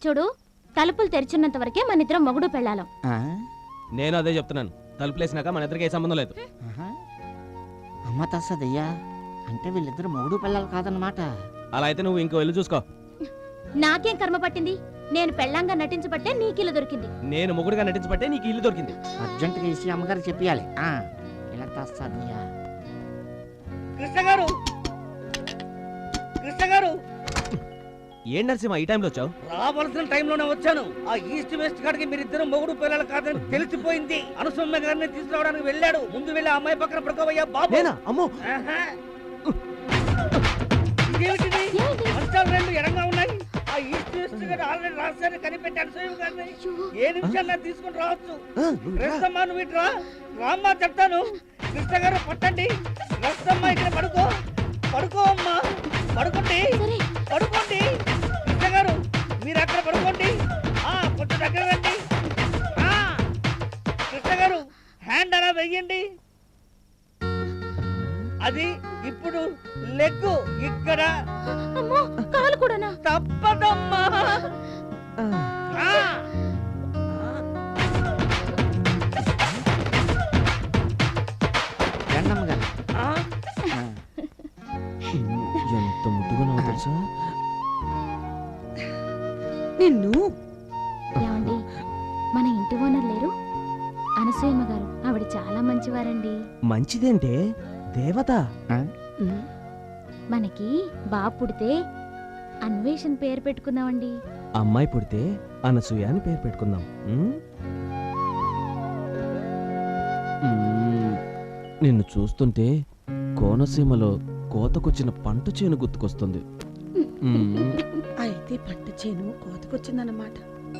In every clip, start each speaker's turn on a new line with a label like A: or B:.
A: చూడు, తలుపులు తెరిచున్నంత వరకే మన ఇద్దరం మొగుడు పెళ్ళాలం.
B: నేను అదే చెప్తున్నాను. తలుపులేసినాక మన ఇద్దరికి ఏ సంబంధం లేదు.
C: అమ్మ తస్సదయ్యా, అంటే వీళ్ళిద్దరు మొగుడు పిల్లలు కాదన్నమాట.
B: అలా అయితే నువ్వు ఇంకో ఇల్లు చూసుకో.
A: నాకేం కర్మ పట్టింది? నేను పెళ్ళంగా నటించబట్టే నీకు ఇల్లు దొరికింది.
B: నేను మొగుడుగా నటించబట్టే నీకు ఇల్లు దొరికింది.
C: అర్జెంటుగా ఇసి అమ్మగారు చెప్పాలి. ఇలా తస్సదయ్యా.
D: కృష్ణ గారు, కృష్ణ గారు,
B: ఏం నరసింహ ఈ టైంలో వచ్చావు?
D: రావాల్సిన టైంలోనే వచ్చాను. ఆ ఈస్ట్ వెస్ట్ కాడికి మీరిద్దరు మొగుడు పిల్లలు కాదని తెలిసిపోయింది. అనుసమ్మ గారిని తీసుకురావడానికి వెళ్ళాడు. ముందు వెళ్ళి ఆ అమ్మాయి పక్కన పడుకోవయ్యా బాబు.
B: అమ్మో,
D: ఇదేమిటిది? మంచాలు రెండు ఎడంగా ఉన్నాయి. ఆ ఈస్ట్ వెస్ట్ గారు ఆల్రెడీ రాశారు, కనిపెట్టి అనుసూయ గారిని ఏ నిమిషాల్లో తీసుకుని రావచ్చు. రస్తమ్మ నువ్వు ఇట్రా, రామ్మా చెప్తాను. కృష్ణ గారు పట్టండి. రస్తమ్మ ఇక్కడ పడుకో, పడుకో అమ్మా, పడుకోండి, పడుకోండి. కృష్ణ గారు మీరు అక్కడ పడుకోండి. కొంచెం దగ్గర రండి. కృష్ణ గారు హ్యాండ్ అలా వెయ్యండి. అది ఇప్పుడు లెగ్గు ఇక్కడ.
A: కాలు కూడానా?
D: తప్పదమ్మా.
B: ఎంత ముద్దుగా నవ్వు తెలుసా?
A: నిన్ను ఏమండి, మన ఇంటి ఓనర్ లేరు అనసూయమ్మ గారు, ఆవిడ చాలా మంచివారండి.
B: మంచిదేంటే దేవత.
A: మనకి బాబు పుడితే అన్వేషణ పేరు పెట్టుకుందామండి.
B: అమ్మాయి పుడితే అనసూయ అని పేరు పెట్టుకుందాం. నిన్ను చూస్తుంటే కోనసీమలో కోతకొచ్చిన పంట చేను గుర్తుకొస్తుంది.
E: అయితే పంట చేను కోతకొచ్చిందన్నమాట.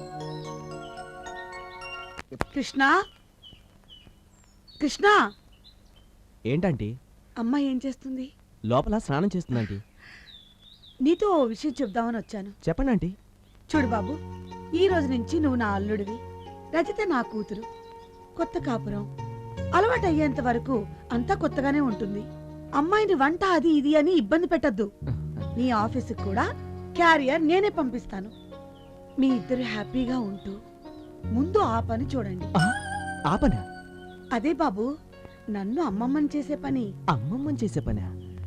E: కృష్ణ, కృష్ణ,
B: ఏంటంటీ?
E: అమ్మ ఏం చేస్తుంది?
B: లోపల స్నానం చేస్తుందంటీ.
E: నీతో ఓ విషయం చెప్దామని వచ్చాను.
B: చెప్పండి ఆంటీ.
E: చూడు బాబు, ఈ రోజు నుంచి నువ్వు నా అల్లుడివి, రజిత నా కూతురు. కొత్త కాపురం అలవాటు అయ్యేంత వరకు అంతా కొత్తగానే ఉంటుంది. అమ్మాయిని వంట అది ఇది అని ఇబ్బంది పెట్టద్దు. నీ ఆఫీసుకు కూడా క్యారియర్ నేనే పంపిస్తాను. మీ ఇద్దరు హ్యాపీగా ఉంటూ ముందు ఆ పని చూడండి.
B: ఆ పని?
E: అదే బాబు, నన్ను అమ్మమ్మని చేసే పని.
B: అమ్మమ్మని చేసే పని?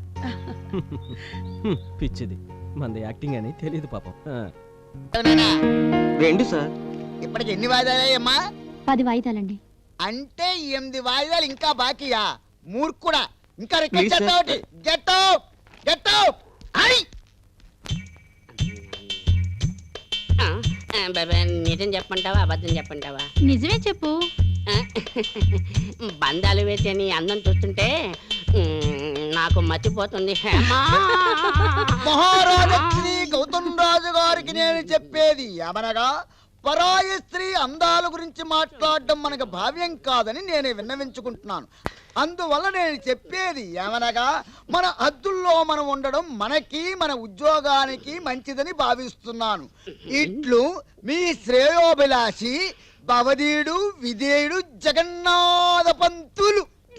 B: పిచ్చిది, మంది యాక్టింగ్ అని తెలియదు పాపం.
F: రెండు సార్. ఇప్పటికి ఎన్ని వాయిదాలయ్యమ్మా?
A: 10 వాయిదాలండి.
F: అంటే 8 వాయిదాలు ఇంకా బాకీయా? మూర్ఖుడా, ఇంకా రికార్డ్ చేస్తావు. Get out, get out.
G: నిజం చెప్పంటావా అబద్ధం చెప్పంటావా?
A: నిజమే చెప్పు.
G: బంధాలు వేసే నీ అందం చూస్తుంటే నాకు మర్చిపోతుంది.
F: మహారాజా శ్రీ గౌతమ్ రాజు గారికి నేను చెప్పేది ఏమనగా, పరాయి స్త్రీ అందాల గురించి మాట్లాడడం మనకు భావ్యం కాదని నేను విన్నవించుకుంటున్నాను. అందువల్ల నేను చెప్పేది ఏమనగా, మన హద్దుల్లో మనం ఉండడం మనకి మన ఉద్యోగానికి మంచిదని భావిస్తున్నాను. ఇట్లు మీ శ్రేయోభిలాషి భవదీయుడు విధేయుడు జగన్నాథ పంతులు.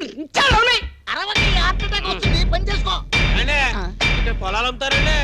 F: పని చేసుకో.
B: పొలాలు అమ్ముతారండి.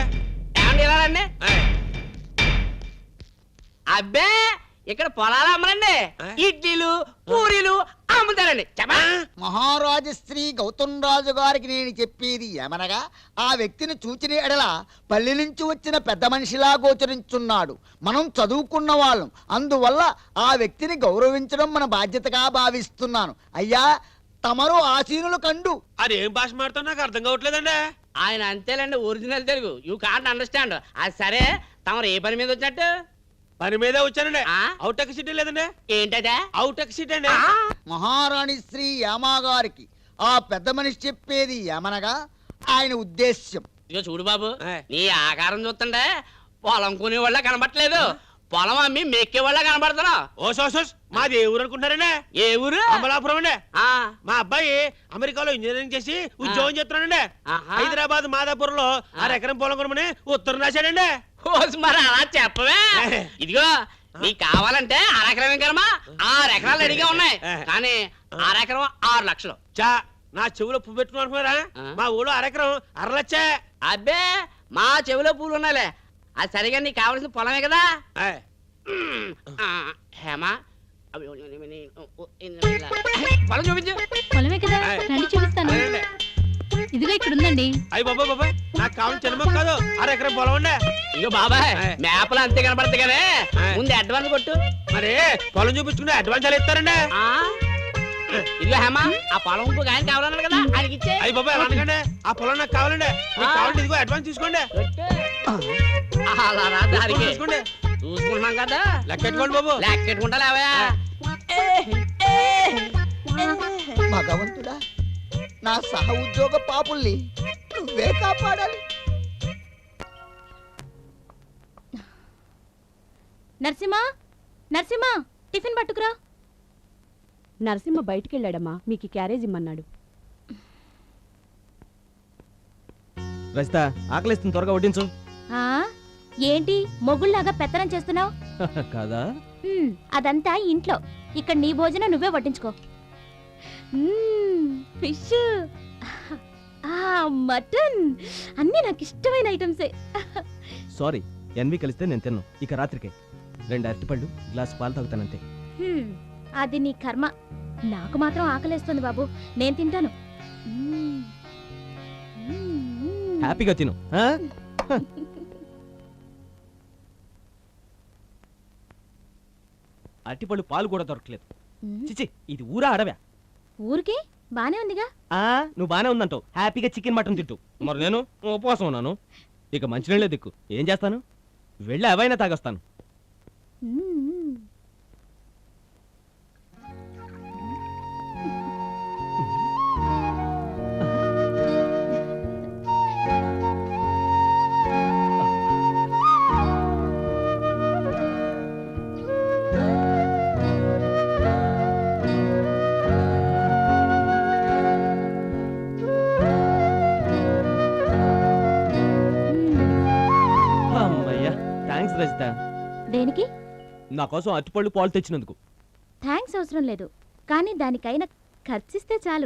G: అబ్బే, ఇక్కడ పొలాలు అమ్మరండి, ఇడ్లీలు పూరీలు అమ్ముతారండి.
F: మహారాజు శ్రీ గౌతమ్ రాజు గారికి నేను చెప్పేది ఏమనగా, ఆ వ్యక్తిని చూచిన ఎడల పల్లె నుంచి వచ్చిన పెద్ద మనిషిలా గోచరించున్నాడు. మనం చదువుకున్న వాళ్ళం, అందువల్ల ఆ వ్యక్తిని గౌరవించడం మన బాధ్యతగా భావిస్తున్నాను. అయ్యా, తమరు ఆసీనులు కండు.
B: అది ఏం భాష మాట్లాడుతున్నా నాకు అర్థం కావట్లేదండి.
G: ఆయన అంతేలేండి, original Telugu. You can't understand. అది సరే, తమరు ఏ పని మీద వచ్చినట్టు?
B: పని మీదే వచ్చానండి. అవుట్ ఎక్ సీట్ లేదండి.
G: ఏంటదే?
B: అవుట్ ఎక్ సీట్ అండి.
F: మహారాణి శ్రీ యామా గారికి ఆ పెద్ద మనిషి చెప్పేది ఏమనగా, ఆయన ఉద్దేశ్యం.
G: ఇక చూడు బాబు, నీ ఆకారం చూస్తుండే పొలం కొనే వాళ్ళ కనబట్టలేదు, పొలం అమ్మి మెక్కే వాళ్ళ కనబడుతున్నా.
B: ఓ సోసోస్, మాది ఏ ఊరు అనుకుంటారండి?
G: ఏ ఊరు?
B: అమలాపురం అండి. మా అబ్బాయి అమెరికాలో ఇంజనీరింగ్ చేసి ఉద్యోగం చేస్తున్నాడండి. హైదరాబాద్ మాదాపూర్ లో 6 ఎకరం పొలం కొనమని ఉత్తరం రాశాడండి.
G: మరి అలా చెప్పవే. ఇదిగో, నీకు కావాలంటే 6 ఎకరం కరమా 6 ఎకరాలు రెడీగా ఉన్నాయి, కానీ 6 ఎకరం 6 లక్షలు.
B: చా, నా చెవులో పువ్వు పెట్టుకుని అనుకున్నారా? మా ఊళ్ళో 6 ఎకరం 6 లక్ష.
G: అబ్బే, మా చెవిలో పూలు ఉన్నాయిలే, అది సరిగా నీకు కావాల్సిన పొలమే కదా
B: ఆయ్.
G: హేమా పొలం చూపించు.
A: పొలమే కదా రండి చూపిస్తాను.
B: అదేండి.
A: ఇదిగో ఇక్కడ ఉందండి.
B: అయ్యి బాబాయ్ నాకు కావాల్సిన చిన్న కాదు 1 ఎకరం పొలం ఉండే.
G: ఇగో బాబాయ్
B: ఆయ్.
G: మేపలు అంతే కనపడతాయి కానీ
B: ఆయ్.
G: ముందు అడ్వాన్స్ కొట్టు.
B: మరి పొలం చూపించుకుని అడ్వాన్స్ ఎలా ఇస్తారండి?
G: ఆ ఇదిగో హేమా ఆ పొలం ఇంకొక ఆయన కావాలన్నాడు కదా ఆయనకి ఇచ్చే.
B: అయ్యి బాబాయ్ అలా అనకండి. ఆ పొలం నాకు కావాలండి. మీకు కావాలంటే ఇదిగో అడ్వాన్స్ తీసుకోండి.
G: అలా రా దారికి
B: తీసుకోండి.
G: చూసుకుంటున్నాం కదా
B: లెక్కెట్టుకోండి బాబు.
G: లెక్కెట్టుకుంటా లేవా.
F: భగవంతుడా, నా సహ ఉద్యోగ పాపుల్ని నువ్వే కాపాడాలి.
A: నరసింహ నరసింహ టిఫిన్ పట్టుకురా.
H: నరసింహ బయటికెళ్ళాడమ్మా, మీకు క్యారేజ్ ఇమ్మన్నాడు.
I: రజిత ఆకలిస్తుంది, త్వరగా వడ్డించు.
A: ఆ ఏంటి మొగుళ్ళలాగా పెత్తనం చేస్తున్నావు?
I: కాదా?
A: అదంతా ఇంట్లో. ఇక్కడ నీ భోజనం నువ్వే వడ్డించుకో. ఫిష్, మటన్ అన్నీ నాకు ఇష్టమైన ఐటమ్సే.
I: సారీ, ఎన్వి కలిస్తే నేను తిన్నాను. ఇక రాత్రికే 2 అరటిపళ్ళు, గ్లాస్ పాలు తాగుతానంతే.
A: అది నీ కర్మ. నాకు మాత్రం ఆకలేస్తుంది బాబు, నేను తింటాను.
I: హ్యాపీగా తిను. ఆ? అరటిపళ్ళు పాలు కూడా దొరకలేదు. చిచి, ఇది ఊరా అడవ్యా?
A: ఊరికే బానే ఉందిగా.
I: నువ్వు బానే ఉందంటావు. హ్యాపీగా చికెన్ మటన్ తింటూ. మరి నేను ఉపవాసం ఉన్నాను. ఇక మంచినీళ్ళే దిక్కు. ఏం చేస్తాను? వెళ్ళి అవైనా తాగొస్తాను. అమ్మయ్యా, థ్యాంక్స్ రజిత.
A: దేనికి
I: నా కోసం అరటిపళ్ళు పాలు తెచ్చినందుకు.
A: థ్యాంక్స్ అవసరం లేదు, కానీ దానికైనా ఖర్చిస్తే చాలు.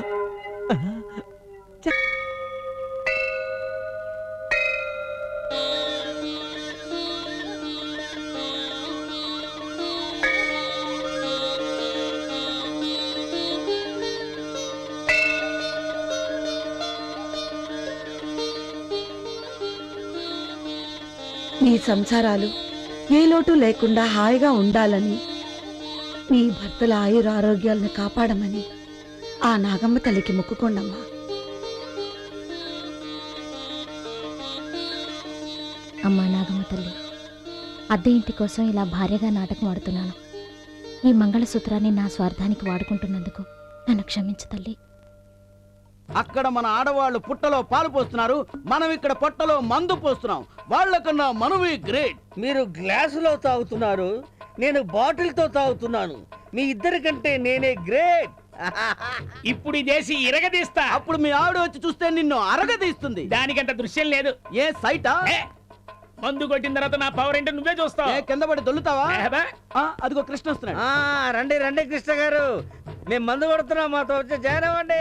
E: మీ సంసారాలు ఏ లోటు లేకుండా హాయిగా ఉండాలని, మీ భర్తల ఆయురారోగ్యాలను కాపాడమని ఆ నాగమ్మ తల్లికి మొక్కుకోండమ్మా.
A: అమ్మా నాగమ్మ తల్లి, అద్దె ఇంటి కోసం ఇలా భార్యగా నాటకం ఆడుతున్నాను. ఈ మంగళసూత్రాన్ని నా స్వార్థానికి వాడుకుంటున్నందుకు నన్ను క్షమించు తల్లి.
D: అక్కడ మన ఆడవాళ్ళు పుట్టలో పాలు పోస్తున్నారు, మనం ఇక్కడ పొట్టలో మందు పోస్తున్నాం. వాళ్ళకన్నా మనమే గ్రేట్. మీరు గ్లాసులో తాగుతున్నారు, నేను బాటిల్తో తాగుతున్నాను. మీ ఇద్దరికంటే నేనే గ్రేట్.
J: ఇప్పుడు ఈ దేశీ ఇరగదీస్తా.
D: అప్పుడు మీ ఆవిడ వచ్చి చూస్తే నిన్ను అరగదీస్తుంది.
J: దానికంత దృశ్యం లేదు.
D: ఏ సైటా?
J: మందు కొట్టిన తర్వాత నా పవర్ ఏంటో నువ్వే చూస్తావు.
D: కింద పడి దొల్లుతావా? అదిగో కృష్ణ వస్తున్నాడు. రండి రండి కృష్ణ గారు, మేము మందు కొడుతున్నాం, మాతో వచ్చి జాయిన్ అవ్వండి.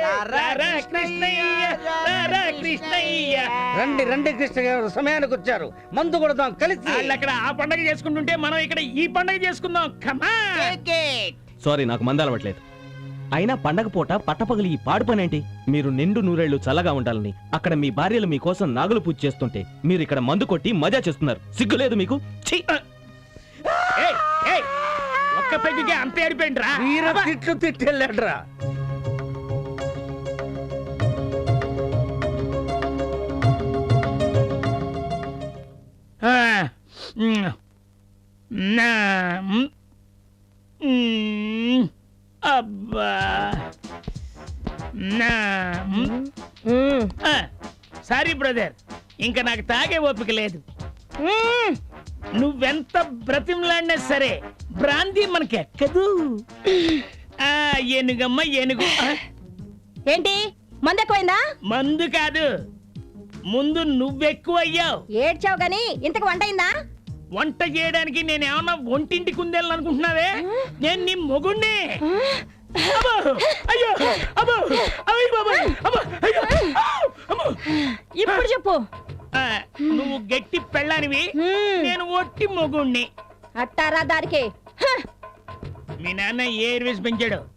D: రండి రండి కృష్ణ గారు, సమయానికి వచ్చారు. మందు కొడదాం కలిసి.
J: అక్కడ ఆ పండగ చేసుకుంటుంటే మనం ఇక్కడ ఈ పండగ చేసుకుందాం.
I: సారీ, నాకు మంద అలవట్లేదు. అయినా పండగ పూట పట్టపగలి ఈ పాడు పనేంటి? మీరు నిండు నూరేళ్లు చల్లగా ఉండాలని అక్కడ మీ భార్యలు మీకోసం నాగులు పూజ చేస్తుంటే మీరు ఇక్కడ మందు కొట్టి మజా చేస్తున్నారు. సిగ్గులేదు మీకు?
J: ఒక్క పెగ్గుకే అంత ఏడిపోయిండ్రా.
D: తిట్లు తిట్టెళ్ళాడ్రా.
J: అబ్బా సారీ బ్రదర్, ఇంకా నాకు తాగే ఓపిక లేదు. నువ్వెంత బ్రతిమలాడినా సరే బ్రాంతి మనకెక్కదు. ఏనుగమ్మ ఏనుగు.
H: ఏంటి మందు ఎక్కువైందా?
J: మందు కాదు, ముందు నువ్వెక్కువయ్యావు.
H: ఏడ్చావు గాని ఇంతకు వంట అయిందా?
J: వంట చేయడానికి నేనేమన్నా ఒంటింటి కుందేళ్ళని అనుకుంటున్నావే? నేను నీ మొగుణ్ణి.
H: ఇప్పుడు చెప్పు,
J: నువ్వు గట్టి పెళ్ళానివి, నేను ఒట్టి మొగుణ్ణి.
H: అట్టారా దారికి
J: మీ నాన్న ఏ ఎయిర్వేస్ పెంచాడు?